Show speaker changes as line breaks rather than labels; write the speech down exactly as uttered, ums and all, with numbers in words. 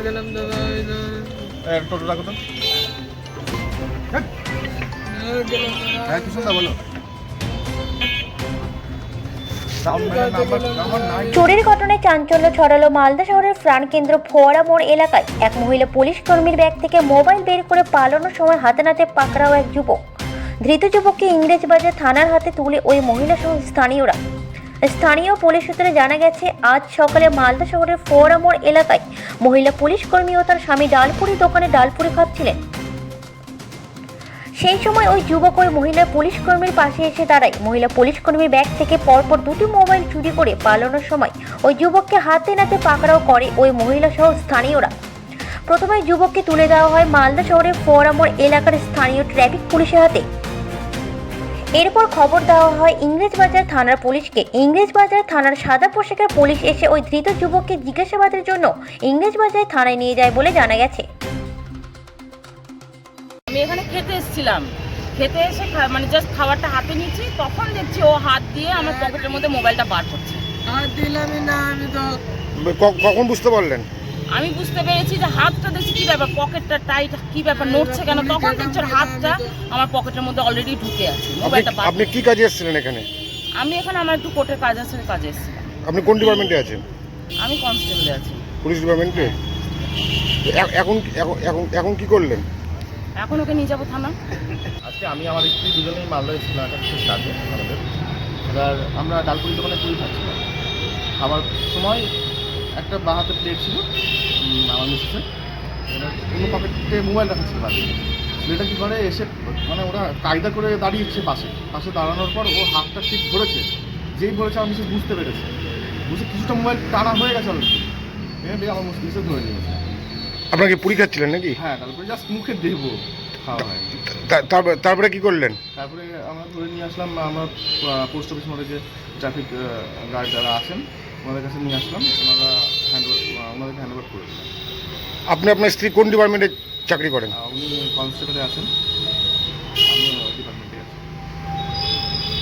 গেলাম দাদা
টোটো রাখো তো।
গেলাম
হ্যাঁ কিছু না বলো। নাম্বার নাই।
চুরির ঘটনায় চাঞ্চল্য ছড়ালো মালদা শহরের প্রাণকেন্দ্র ফোয়ারা মোড় এলাকায়। এক মহিলা পুলিশ কর্মীর ব্যাগ থেকে মোবাইল বের করে পালানোর সময় হাতে নাতে পাকড়াও এক যুবক। ধৃত যুবককে ইংরেজবাজার থানার হাতে তুলে ওই মহিলা সহ স্থানীয়রা। স্থানীয় পুলিশ সূত্রে জানা গেছে, আজ সকালে মালদা শহরের ফোয়ারা মোড় এলাকায় মহিলা পুলিশ কর্মী ও তার স্বামী ডালপুরি দোকানে ডালপুরি খাচ্ছিলেন। সেই সময় ওই যুবক ওই মহিলা পুলিশ কর্মীর পাশে এসে দাঁড়ায়। মহিলা পুলিশ কর্মীর ব্যাগ থেকে পরপর দুটি মোবাইল চুরি করে পালানোর সময় ওই যুবককে হাতে নাতে পাকড়াও করে ওই মহিলা সহ স্থানীয়রা। প্রথমে যুবককে তুলে দেওয়া হয় মালদা শহরের ফোয়ারা মোড় এলাকার স্থানীয় ট্রাফিক পুলিশের হাতে। এরপর খবর দেওয়া হয় ইংরেজবাজার থানার পুলিশকে। ইংরেজবাজার থানার সাদা পোশাকের পুলিশ এসে ওই ধৃত যুবককে জিজ্ঞাসাবাদের জন্য ইংরেজবাজার থানায় নিয়ে যায় বলে জানা গেছে।
আমি এখানে খেতে এসেছিলাম, খেতে এসে মানে জাস্ট খাবারটা হাতে নিয়েছি, তখন দেখছি ও হাত দিয়ে আমার পকেটের মধ্যে মোবাইলটা বার করছে।
আর দিলামই না আমি তো।
কখন বুঝতে পারলেন?
আমি বুঝতে পেরেছি যে হাতটা দেখছি কি ব্যাপার, পকেটটা টাইট, কি ব্যাপার নড়ছে কেন, তখন দেখছি ওর হাতটা আমার পকেটের মধ্যে অলরেডি ঢুকে আছে। মোবাইলটা বার।
আপনি কি কাজে এসেছিলেন এখানে?
আমি এখানে আমার একটু কোর্টের কাজ আছে, কাজে এসেছিলাম।
আপনি কোন ডিপার্টমেন্টে আছেন?
আমি কনস্টেবলে আছি।
পুলিশ ডিপার্টমেন্টে? এখন এখন এখন এখন কি করলেন?
এখন ওকে নিয়ে যাবো থানা।
আজকে আমি আমার স্ত্রী দুজনেই মালদা এসেছিলাম একটা বিশেষ কাজে আমাদের। এবার আমরা ডালপুরি দোকানে পুরি খাচ্ছিলাম। খাবার সময় একটা বাঁ হাতে প্লেট ছিল আমার মিসেসের, এবার অন্য পকেটে মোবাইল রাখা ছিল বাড়িতে। ছেলেটা কী করে এসে মানে ওরা কায়দা করে দাঁড়িয়েছে পাশে পাশে দাঁড়ানোর পর ও হাতটা ঠিক ধরেছে। যেই ধরেছে আমার মিসেস বুঝতে পেরেছে, বুঝে কিছুটা মোবাইল টানা হয়ে গেছে অলরেডি, এবার আমার মিসেস ধরে নিয়েছে।
আপনাকে পুরি খাচ্ছিলেন নাকি?
হ্যাঁ, তারপরে জাস্ট মুখে দেবো খাওয়া হয়।
তারপরে কি করলেন?
তারপরে আমরা ধরে নিয়ে আসলাম, আমরা পোস্ট অফিস মোড়ে যে ট্রাফিক গার্ড যারা আছেন ওনাদের কাছে নিয়ে আসলাম, ওনারা হ্যান্ডওভার ওনাদেরকে হ্যান্ডওভার করে দিলাম।
আপনি আপনার স্ত্রী কোন ডিপার্টমেন্টে চাকরি করেন?
উনি কনস্টেবলে আছেন।